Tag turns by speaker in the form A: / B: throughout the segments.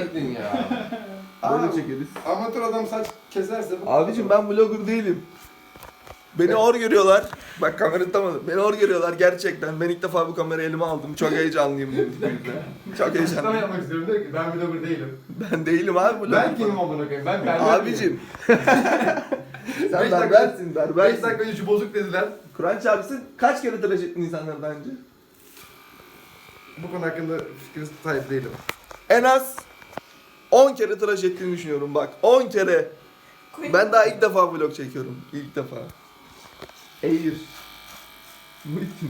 A: çekecektin ya.
B: Böyle çekeriz.
A: Amatör adam saç keserse...
B: Abicim ben vlogger değilim. Beni hor görüyorlar. Bak kamerayı tutamadım. Beni hor görüyorlar gerçekten. Ben ilk defa bu kamerayı elime aldım. Çok heyecanlıyım bu yüzden. Çok
A: Açıklama
B: heyecanlıyım.
A: yapmak istiyorum diyor ki ben vlogger değilim.
B: Ben değilim abi vlogger.
A: Ben kimim amına koyayım? Ben berber
B: Abicim. Sen berbersin, berbersin.
A: 5 dakika önce şu bozuk dediler.
B: Kur'an çarpsın kaç kere tıraş ettin insanları daha önce?
A: Bu konu hakkında fikir sahip değilim.
B: En az 10 kere tıraş ettiğini düşünüyorum bak. 10 kere. Ben daha ilk defa vlog çekiyorum. İlk defa. Eğir. Muhittin.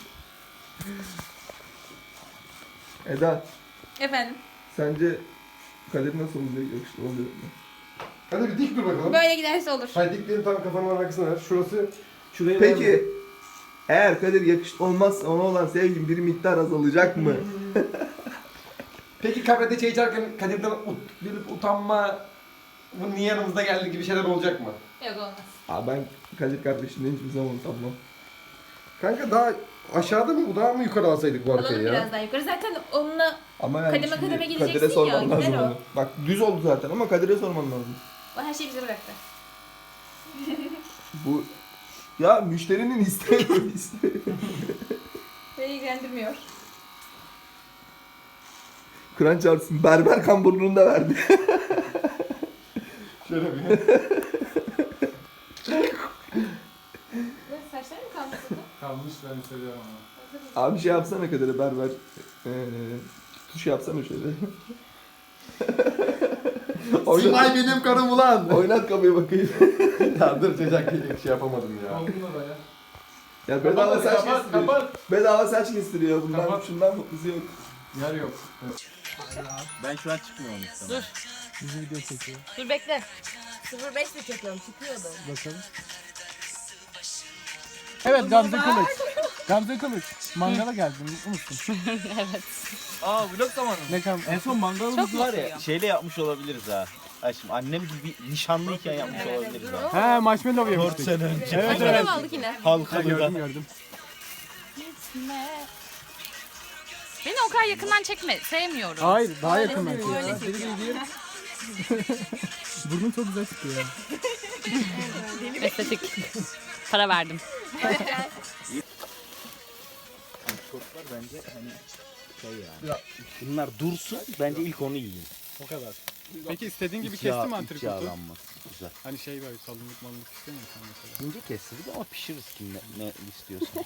B: Eda,
C: Efendim.
B: sence Kadir nasıl olacak? Yakışıklı oluyor mu?
A: Hadi bir dik dur bakalım.
C: Böyle giderse olur.
A: Hadi diklerini tam kafanın arkasına ver. Şurası... Şurayı
B: Peki, eğer Kadir yakışıklı olmazsa ona olan sevgin bir miktar azalacak mı?
A: Peki kabrede çay içerken Kadir'den bilip utanma... Bu niye yanımızda geldi gibi şeyler olacak mı?
C: Yok olmaz.
B: Abi ben Kadir kardeşimden hiçbir zaman utanmam.
A: Kanka daha aşağıda mı bu daha mı yukarı alsaydık bu arkayı
C: Alalım
A: ya?
C: biraz daha yukarı. Zaten onunla
B: Ama yani
C: Kademe
B: şimdi
C: kademe gideceksin
B: Kadir'e sorman
C: ya,
B: lazım
C: gider o.
B: onu. Bak düz oldu zaten ama Kadir'e sorman lazım.
C: o her şeyi bize bıraktı.
B: Bu ya müşterinin isteği bu isteği.
C: Beni ilgilendirmiyor.
B: Kur'an çarpsın berber kamburluğunu da verdi.
A: Şöyle bir.
C: Saçlar mı kalmış burada?
D: Kalmış ben hissediyorum ama.
B: Abi şey yapsana Kadir'e berber. Tuş yapsana şöyle.
A: Simay benim karım ulan.
B: Oynat kapıyı bakayım.
A: Ya dur çocuk şey yapamadım ya.
D: Oldu mu baya?
B: Ya bedava saç
D: Kapat,
B: kestiriyor.
D: kapat.
B: Bedava saç kestiriyor. Bundan
D: Kapat.
B: şundan mutlusu yok.
D: Yer yok.
E: Ben şu an çıkmıyorum işte.
F: Bizi video çekiyor.
C: Dur bekle. 05 mi çekiyorum? Çıkıyordu.
F: Bakalım. Evet Gamze Kılıç. Gamze Kılıç. Mangala geldin mutlu musun?
E: Aa vlog zamanı.
F: Ne kam? En son mangalımız
E: Var ya şeyle yapmış olabiliriz ha. Ay şimdi annem gibi nişanlıyken yapmış olabiliriz ha.
F: He marshmallow
E: 4
F: yemiştik.
E: sene önce.
F: Evet
C: Ay
F: evet.
C: evet. aldık yine.
F: Ha,
E: Halkalı'da.
F: gördüm.
G: Beni o kadar yakından çekme. Sevmiyorum.
F: Hayır daha yakın belki.
C: Öyle
F: ya.
C: çekiyor.
F: Burnun çok güzel çıkıyor ya.
G: Estetik. Para verdim.
E: Çocuklar bence hani şey yani. Bunlar dursun bence ilk onu yiyin.
F: O kadar. Peki istediğin gibi
E: İç
F: kesti
E: yağ-
F: mi
E: iç
F: antrikotu?
E: yağlanmaz. Güzel.
F: Hani şey böyle kalınlık malınlık istemiyorsan mesela.
E: İnce kestirdik ama pişiririz kim ne istiyorsan.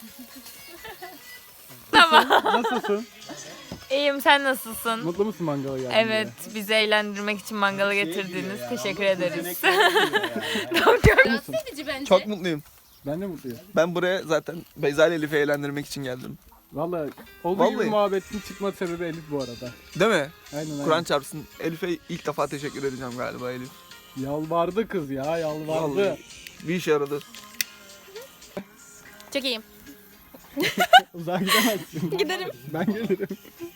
F: Nasılsın?
G: İyiyim, sen nasılsın?
F: Mutlu musun mangala geldin
G: Evet, bizi eğlendirmek için mangala getirdiniz. Teşekkür ederiz.
C: Rahatsız edici bence.
B: Çok mutluyum.
F: Ben de mutluyum.
B: Ben buraya zaten Beyza ile Elif'i eğlendirmek için geldim.
F: Vallahi olduğu gibi
B: Vallahi.
F: muhabbetin çıkma sebebi Elif bu arada.
B: Değil mi?
F: Aynen
B: Kur'an
F: aynen.
B: çarpsın. Elif'e ilk defa teşekkür edeceğim galiba Elif.
F: Yalvardı kız ya yalvardı.
B: Vallahi. Bir işe yaradı.
C: Çok iyiyim.
F: Uzağa gidemezsin.
C: Giderim.
F: Ben gelirim.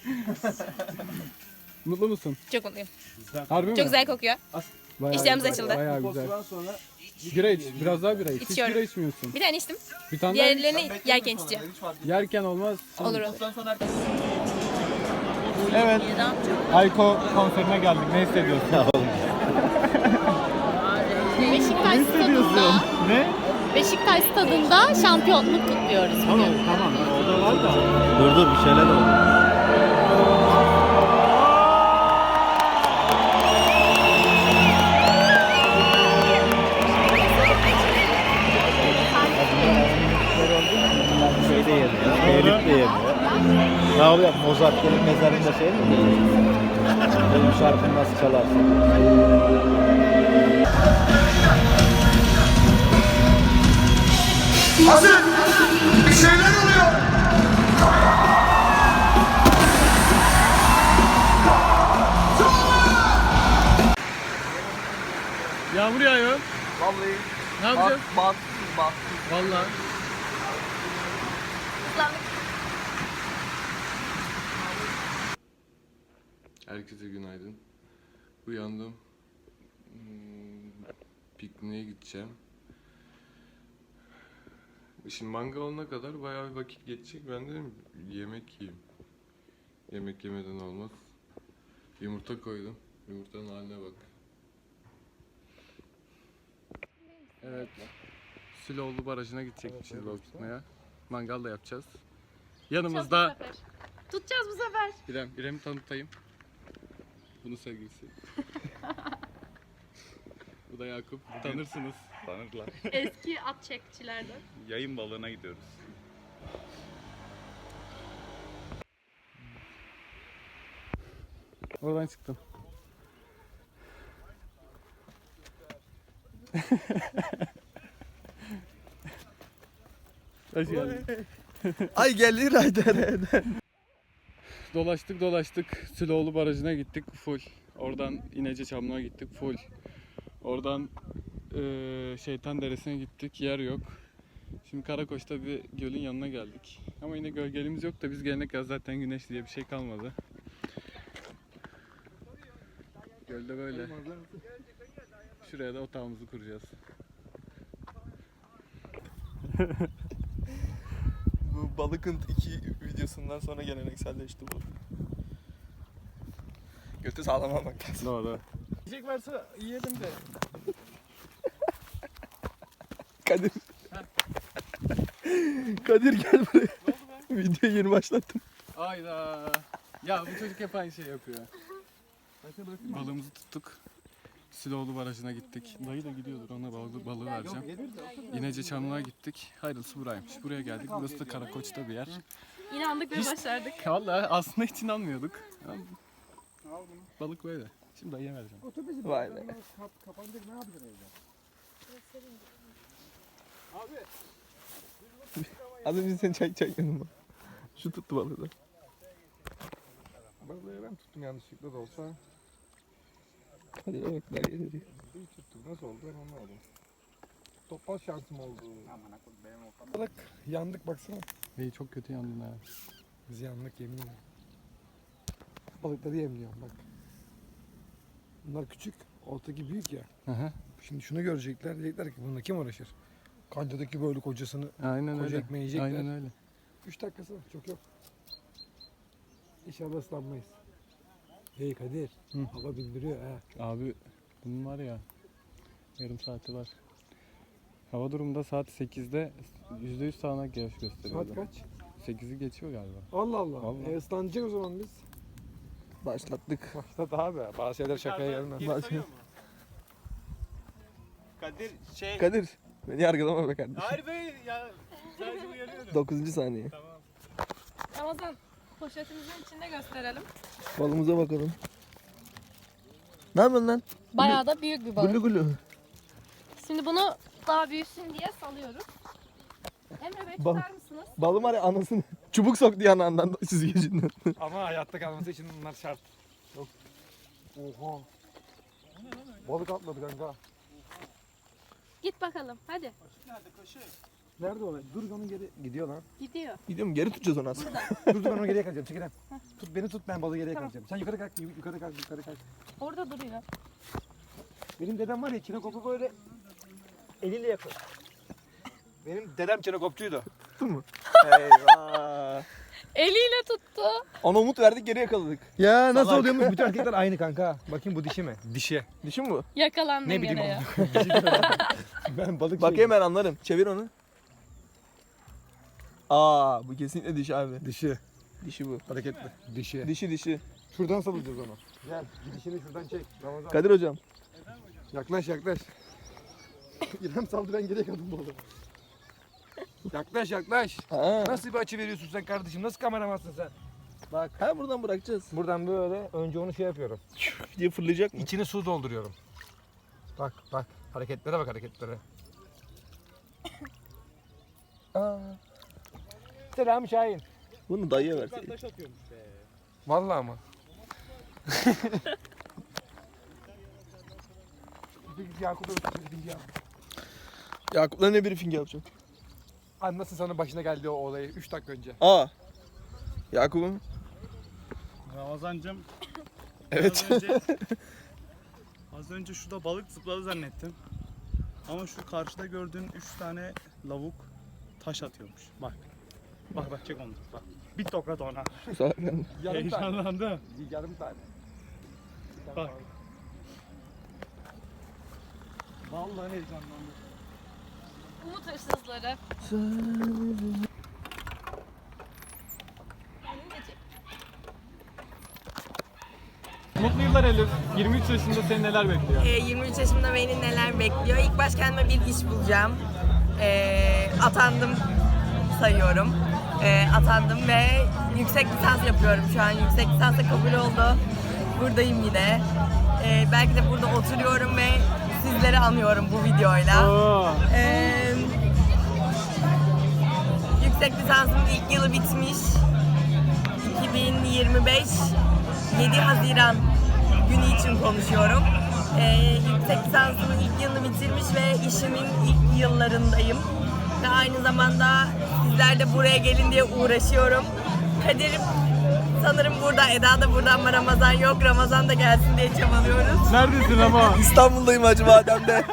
F: Mutlu musun?
C: Çok mutluyum.
F: Harbi mi?
C: Çok güzel kokuyor.
F: Bayağı
C: İşlerimiz
F: güzel,
C: açıldı.
F: Bayağı güzel. Bira iç. Biraz daha bira iç. Hiç
C: İçiyorum.
F: bira içmiyorsun.
C: Bir tane içtim.
F: Bir tane daha iç.
C: Diğerlerini yerken içeceğim.
F: Yerken olmaz.
C: Olur olur.
F: Evet. Ayko konserine geldik. Ne hissediyorsun?
G: Beşiktaş
F: Ne hissediyorsun?
G: stadında,
F: Ne?
G: Beşiktaş stadında şampiyonluk kutluyoruz bugün.
F: Tamam. Orada var da.
E: Dur bir şeyler oldu. Şey de yemiyor, Elif de yemiyor. Ne oluyor? Mozart'ın mezarında şey mi? Benim şarkımı nasıl çalarsın?
A: Hazır! Bir şeyler oluyor!
F: Yağmur yağıyor.
B: Vallahi
F: Ne yapacağız?
B: bahtsız.
F: Vallahi.
H: Herkese günaydın. Uyandım. Pikniğe gideceğim. Şimdi manga olana kadar bayağı bir vakit geçecek. Ben dedim yemek yiyeyim. Yemek yemeden olmaz. Yumurta koydum. Yumurtanın haline bak. Evet. Süloğlu Barajı'na gidecekmişiz balık tutmaya. Mangal da yapacağız. Yanımızda
C: Tutacağız bu sefer.
H: İrem'i tanıtayım. Bunun sevgilisi. Bu da Yakup. Tanırsınız.
E: Tanırlar.
C: Eski at çekçilerden.
E: Yayın balığına gidiyoruz.
F: Oradan çıktım. Hoş geldin.
B: Ay gelir Ayder.
H: Dolaştık. Süloğlu Barajı'na gittik full. Oradan İnece Çamlı'na gittik full. Oradan Şeytan Deresi'ne gittik. Yer yok. Şimdi Karakoç'ta bir gölün yanına geldik. Ama yine gölgelimiz yok da biz gelene kadar zaten güneş diye bir şey kalmadı. Gölde böyle. Şuraya da otağımızı kuracağız.
B: Bu balıkın 2 videosundan sonra gelenekselleşti bu. Götü sağlam almak lazım.
H: Doğru.
F: Yiyecek varsa yiyelim de.
B: Kadir. Kadir gel buraya. Videoyu yeni başlattım.
H: Ayda. Ya bu çocuk hep aynı şey yapıyor. Balığımızı tuttuk. Süloğlu Barajı'na gittik. Dayı da gidiyordur, ona balığı vereceğim. İnece Çamlı'na gittik. Hayırlısı buraymış. Buraya geldik. Burası da Karakoç'ta bir yer.
C: İnandık ve başardık.
H: Vallahi aslında hiç inanmıyorduk. Ama balık böyle. Şimdi dayıya vereceğim.
B: Vay be.
F: Kapanacak, ne yapacaksın evde?
B: Az önce seni çekmedim bak. Şu tuttu balığı da.
A: Balığı ben tuttum yanlışlıkla da olsa.
B: Hadi bak nereye geliyor.
A: İyi tuttuk. Nasıl oldu ben anlamadım. Topal şansım oldu. Balık yandık baksana.
H: İyi, çok kötü yandın ha.
A: Biz yandık yemin ederim. Balıkları yemliyorum bak. Bunlar küçük, ortadaki büyük ya.
H: Hı hı.
A: Şimdi şunu görecekler, diyecekler ki bununla kim uğraşır? Kancadaki böyle kocasını,
H: Aynen
A: koca
H: öyle.
A: ekmeği yiyecekler.
H: Aynen öyle.
A: 3 dakikası var, çok yok. İnşallah ıslanmayız. Hey Kadir,
H: Hı.
A: hava bildiriyor ha.
H: Abi bunun var ya, yarım saati var. Hava durumunda saat 8'de %100 sağanak yağış gösteriyor.
A: Saat kaç?
H: 8'i geçiyor galiba.
A: Allah Allah.
H: Vallahi.
A: Islanacak o zaman biz.
B: Başlattık.
A: Başlat abi, bazı şeyler şakaya gelmez.
E: Kadir şey...
B: Kadir. Beni yargılama be kardeşim.
E: Hayır be ya. Sadece uyarıyorum.
B: 9. saniye.
C: Ramazan poşetimizin içinde gösterelim.
B: Balımıza bakalım. Ne yapıyorsun lan?
C: Bayağı da büyük bir balık.
B: Gulu gulu.
C: Şimdi bunu daha büyüsün diye salıyoruz. Emre Bey
B: Bal-
C: tutar mısınız?
B: Balım var ya anasını. Çubuk soktu yanağından süzgecinden.
A: Ama hayatta kalması için bunlar şart. Yok. Oha. Balık atladı kanka.
C: Git bakalım hadi.
A: Nerede o? Dur onun geri. Gidiyor lan.
C: Gidiyor.
B: Gidiyorum geri tutacağız onu aslında.
A: Dur onu geriye kalacağım. Çekilem. Tut beni tut, ben balığı geriye
C: Tamam.
A: kalacağım. Sen yukarı kalk, yukarı kalk, yukarı kalk.
C: Orada duruyor.
A: Benim dedem var ya, çinekopu böyle eliyle yapıyor. Benim dedem çinekopçuydu.
B: Tuttun mu? Eyvah.
C: Eliyle tuttu.
B: Ona umut verdik geri yakaladık.
A: Ya nasıl
B: Salak.
A: oluyormuş? Bütün erkekler aynı kanka. Bakayım bu dişi mi? Dişi.
B: Dişi mi bu?
C: Yakalandın
A: Ne bileyim
C: gene ya.
A: Ben balık
B: Bakayım ben anlarım. Çevir onu. Aa bu kesinlikle dişi abi.
A: Dişi.
B: Dişi bu.
A: Hareketli. Dişi.
B: Dişi.
A: Şuradan salacağız onu. Gel. Gidişini şuradan çek. Ramazan.
B: Kadir hocam.
A: Yaklaş. İrem saldı, ben geriye kaldım balığı. Yaklaş.
B: Ha.
A: Nasıl bir açı veriyorsun sen kardeşim? Nasıl kameramansın sen? Bak.
B: Ha buradan bırakacağız.
A: Buradan böyle önce onu şey yapıyorum.
B: Diye fırlayacak mı?
A: İçini su dolduruyorum. Bak. Hareketlere bak, hareketlere. Aa. Selam Şahin.
B: Bunu dayıya verseydin.
E: Taş atıyormuş be.
A: Vallahi ama. Yakup'a bir bilgi al.
B: Yakup'la ne briefing yapacağım?
A: Nasıl sana başına geldi o olayı 3 dakika önce?
B: Aa. Yakup'um.
E: Ramazancım.
B: Evet.
E: Az önce şurada balık zıpladı zannettim. Ama şu karşıda gördüğün 3 tane lavuk taş atıyormuş. Bak. Bak çek onu. Bak. Bir tokat ona.
B: Salak lan.
A: Yarım tane.
E: Heyecanlandı.
A: Yarım tane.
F: Bak. Vallahi heyecanlandım.
C: Umut hırsızları.
H: Mutlu yıllar Elif. 23 yaşında seni neler bekliyor?
G: 23 yaşımda beni neler bekliyor? İlk baş kendime bir iş bulacağım. Atandım sayıyorum. Atandım ve yüksek lisans yapıyorum şu an. Yüksek lisansa kabul oldu. Buradayım yine. Belki de burada oturuyorum ve sizleri anıyorum bu videoyla.
H: Oo.
G: Yüksek lisansımın ilk yılı bitmiş. 2025 7 Haziran günü için konuşuyorum. Yüksek lisansımın ilk yılını bitirmiş ve işimin ilk yıllarındayım. Ve aynı zamanda sizler de buraya gelin diye uğraşıyorum. Kadir sanırım burada, Eda da burada ama Ramazan yok. Ramazan da gelsin diye çabalıyoruz.
H: Neredesin ama?
B: İstanbul'dayım Hacı Badem'de.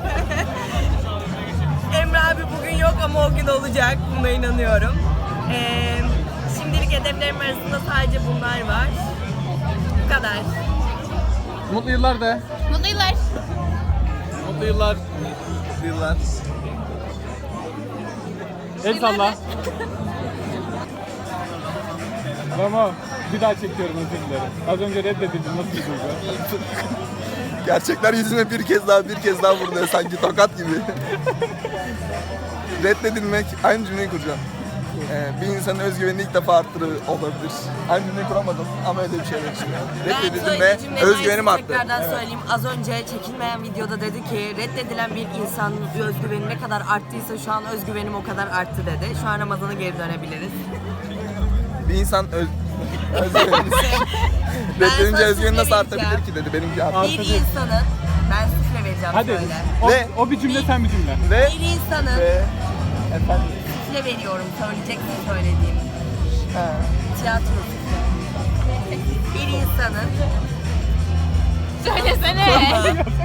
G: Emre abi bugün yok ama o gün olacak. Buna inanıyorum. Şimdilik hedeflerim arasında sadece bunlar var. Bu kadar.
H: Mutlu yıllar de.
C: Mutlu yıllar.
H: Mutlu yıllar.
B: Yıllar.
H: El salla. Ramo bir daha çekiyorum, özür dilerim. Az önce reddedildim, nasıl bir duygu?
B: Gerçekler yüzüme bir kez daha vuruyor sanki tokat gibi. Reddedilmek, aynı cümleyi kuracağım. Bir insanın özgüvenini ilk defa arttırır olabilir. Aynı cümleyi kuramadım ama öyle bir şeyler için. Reddedildim ve özgüvenim arttı.
G: Tekrardan söyleyeyim. Az önce çekilmeyen videoda dedi ki reddedilen bir insanın özgüveni ne kadar arttıysa şu an özgüvenim o kadar arttı dedi. Şu an Ramazan'a geri dönebiliriz.
B: Bir insan özgüveni reddenince özgüveni nasıl artabilir ki dedi. Benimki arttı.
G: Bir insanın, ben sufle vereceğim
H: Hadi.
G: şöyle.
B: Ve-
H: O bir cümle, sen bir cümle.
B: Ve
G: Bir insanın
B: efendim
G: sufle veriyorum, söyleyeceksin söylediğim. Tiyatro sufle. Bir insanın
C: Söylesene.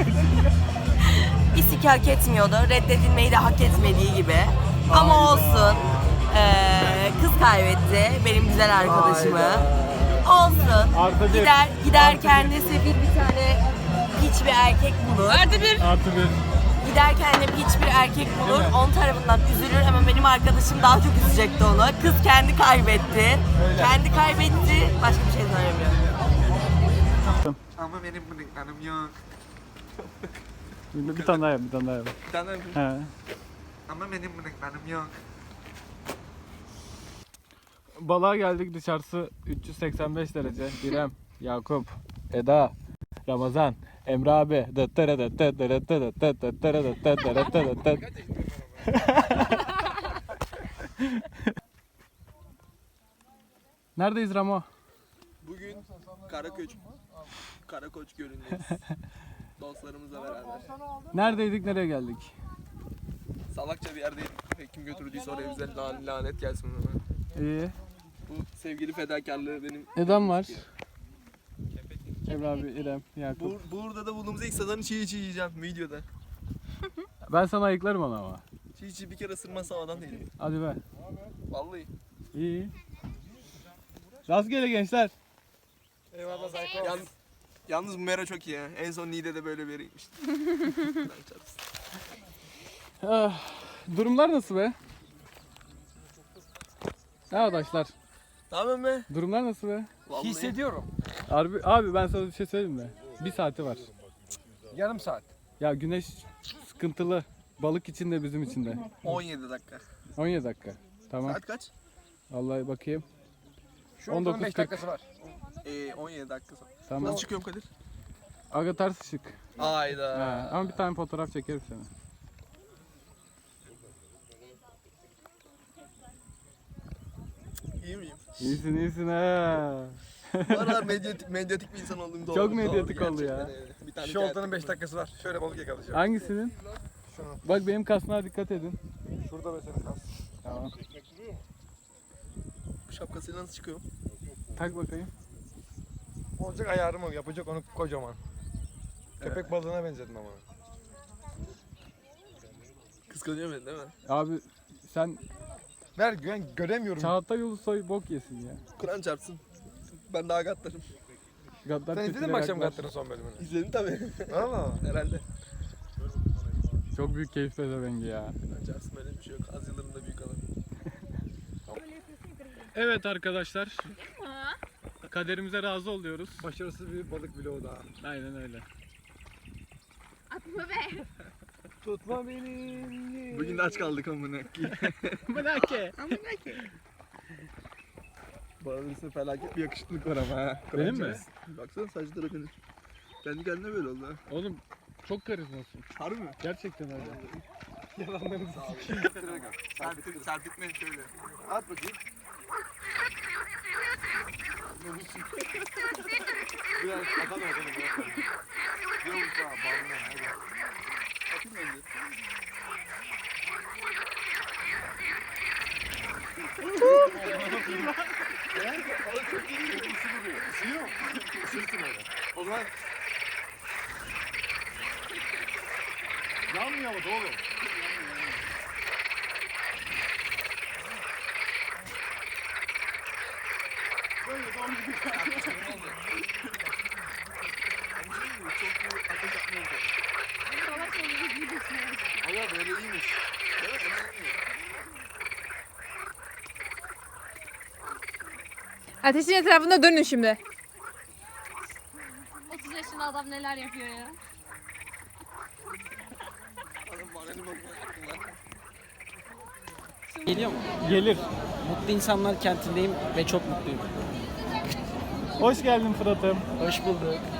G: bir siki hak etmiyordu. Reddedilmeyi de hak etmediği gibi. Ama olsun. Kız kaybetti benim güzel arkadaşımı. Olsun.
H: Artı bir.
G: Gider kendisi bir tane piç bir erkek bulur.
C: Artı bir.
H: Artı bir.
G: Gider kendine piç bir erkek bulur. Onun tarafından üzülür ama benim arkadaşım daha çok üzecekti onu. Kız kendi kaybetti. Kendi kaybetti. Başka bir şey söylemiyor.
B: ama benim bıyıklarım yok.
H: Bir tane daha yap, bir tane daha yap.
B: Bir tane
H: He.
B: ama benim bıyıklarım yok.
H: Balığa geldik, dışarısı 385 derece. İrem, Yakup, Eda, Ramazan, Emre abi. Neredeyiz Ramo?
B: Bugün Karakoç Gölü'ndeyiz. Dostlarımızla beraber.
H: Neredeydik, nereye geldik?
B: Salakça bir yerdeydik. Kim götürdüyse oraya bize lanet gelsin ona.
H: İyi.
B: Bu sevgili fedakarlığı benim.
H: Edam var. Emre abi, İrem, Yakup.
B: Burada da bulduğumuz ilk sadanı çiğ yiyeceğim videoda.
H: Ben sana ayıklarım onu ama.
B: Çiğ bir kere ısırmazsam adam değilim.
H: Hadi be.
B: Vallahi.
H: İyi. Rastgele gençler.
A: Eyvallah Zayko.
B: Yalnız bu mera çok iyi ya. En son Niğde'de böyle bir yere gitmiştim.
H: Ah, durumlar nasıl be? Arkadaşlar,
B: Ne yapıyorsun be?
H: durumlar nasıl be?
B: Vallahi.
A: Hissediyorum.
H: Abi ben sana bir şey söyleyeyim mi? Bir saati var.
A: Yarım saat.
H: Ya güneş sıkıntılı. Balık için de bizim için de.
B: 17 dakika.
H: 17 dakika. Tamam.
B: Saat kaç?
H: Vallahi bakayım.
A: Şu an
H: 19.40.
A: 15 dakikası var.
B: 17 dakika sonra.
H: Tamam.
B: Nasıl çıkıyorum Kadir?
H: Aga ters ışık.
B: Ayda.
H: Ha, ama bir tane fotoğraf çekerim sana.
B: İyi miyim?
H: İyisin ha.
B: Bu aralar medyatik bir insan olduğum doğru.
H: Çok medyatik
B: Doğru,
H: oldu ya.
B: gerçekten öyle. Bir tane
A: Şu oltanın 5 dakikası var. Şöyle balık yakalayacağım.
H: Hangisinin? Bak benim kasnağa dikkat edin.
A: Şurada mesela kas.
H: Tamam.
B: Bu şapkasıyla nasıl çıkıyorum?
H: Tak bakayım.
A: Olacak ayarım o. Yapacak onu kocaman. Köpek balığına benzedim ama.
B: Kıskanıyor beni değil mi?
H: Abi sen
A: Ver güven göremiyorum.
H: Çağatay Ulusoy bok yesin ya.
B: Kur'an çarpsın. Ben daha gatlarım.
F: Gaddar
A: Sen izledin mi
F: kötüleri
A: akşam
F: haklar.
A: Gattar'ın son bölümünü?
B: İzledim tabii.
A: Valla.
B: Herhalde.
H: Çok büyük keyif pezevengi ya.
B: Açarsın böyle bir şey yok. Az yıllarında büyük adam.
H: Evet arkadaşlar. Kaderimize razı oluyoruz.
A: Başarısız bir balık vlogu daha.
H: Aynen öyle.
C: Atma be.
A: Tutma beni.
B: Bugün de aç kaldık amına.
H: Melake.
B: Bağırırsa felaket bir yakışıklık var ama ha.
H: Benim mi?
B: Baksana saçlara benim. Kendi kendine böyle oldu ha.
H: Oğlum çok karizmasın.
B: Harbi mi?
H: Gerçekten öyle.
B: Serpitme şöyle. At bakayım. Biraz atalım. Yok daha bağlı. Hadi. Atayım önce. Çok iyi değil mi? Isırıyor mu? Isırsın öyle. O zaman yanmıyor mu oğlum? Böyle doğru bir Allah böyle iyiymiş. Evet,
I: Ateşin etrafında dönün şimdi.
C: 30 yaşında adam neler yapıyor ya.
J: Geliyor mu?
F: Gelir.
J: Mutlu insanlar kentindeyim ve çok mutluyum.
F: Hoş geldin Fırat'ım.
J: Hoş bulduk.